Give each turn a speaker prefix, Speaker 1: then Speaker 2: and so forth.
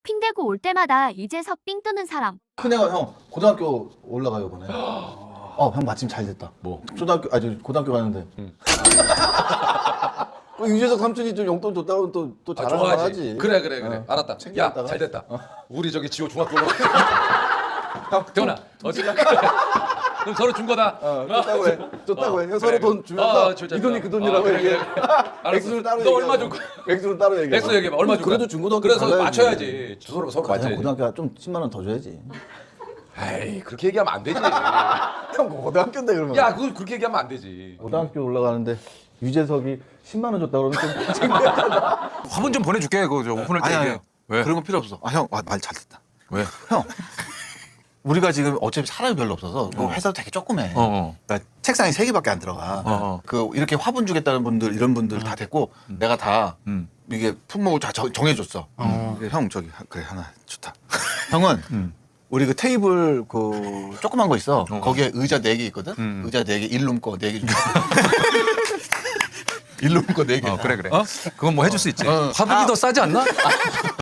Speaker 1: 핑대고 올 때마다 이제서 삥 뜨는 사람.
Speaker 2: 큰애가 형 고등학교 올라가요 이번에. 형 마침 잘 됐다.
Speaker 3: 뭐?
Speaker 2: 초등학교 고등학교 가는데. 유재석 삼촌이 좀 용돈 줬다고 또 자랑을 하지.
Speaker 3: 그래. 알았다. 야,
Speaker 2: 챙겨갔다가.
Speaker 3: 잘 됐다. 우리 저기 지호 중학교로. 형, 태훈아, 어찌나 그럼 서로 준 거다.
Speaker 2: 줬다고 해. 줬다고 해. 형 서로
Speaker 3: 그래.
Speaker 2: 돈 주면서
Speaker 3: 진짜.
Speaker 2: 이 돈이 그 돈이라고
Speaker 3: 그래.
Speaker 2: 얘기해.
Speaker 3: 알았어.
Speaker 2: 액수를 따로
Speaker 3: 너
Speaker 2: 얘기해.
Speaker 3: 얼마 줄 거야?
Speaker 2: 액수를 따로 얘기해.
Speaker 3: 액수 얘기해봐. 얼마 줄 거야?
Speaker 2: 그래도 중고등학교
Speaker 3: 그래서
Speaker 2: 달라야지.
Speaker 3: 맞춰야지. 서로
Speaker 2: 형
Speaker 3: 맞춰야지.
Speaker 2: 고등학교 좀 10만 원 더 줘야지.
Speaker 3: 에이, 그렇게 얘기하면 안 되지.
Speaker 2: 형 고등학교인데 그러면.
Speaker 3: 야, 그걸 그렇게 얘기하면 안 되지.
Speaker 2: 고등학교 올라가는데 유재석이 10만 원 줬다 그러면 좀
Speaker 4: 화분 좀 보내줄게. 그거 저 오픈할 때
Speaker 5: 아니,
Speaker 4: 얘기해.
Speaker 5: 아니.
Speaker 4: 왜?
Speaker 5: 그런 거 필요 없어. 형, 말 잘 됐다.
Speaker 4: 왜?
Speaker 5: 형, 우리가 지금 어차피 사람이 별로 없어서 그 회사도 되게 조그매. 그러니까 책상이 3개밖에 안 들어가. 그 이렇게 화분 주겠다는 분들 이런 분들 다 됐고 내가 다 이게 품목을 다 정해줬어. 형 저기 그래 하나 좋다. 형은 우리 그 테이블 그 조그만 거 있어. 거기에 의자 4개 있거든. 의자 4개, 일룸 거 4개 줘. 일룸 거 4개.
Speaker 4: 그래. 그건 뭐 해줄 수 있지. 화분이 더 싸지 않나?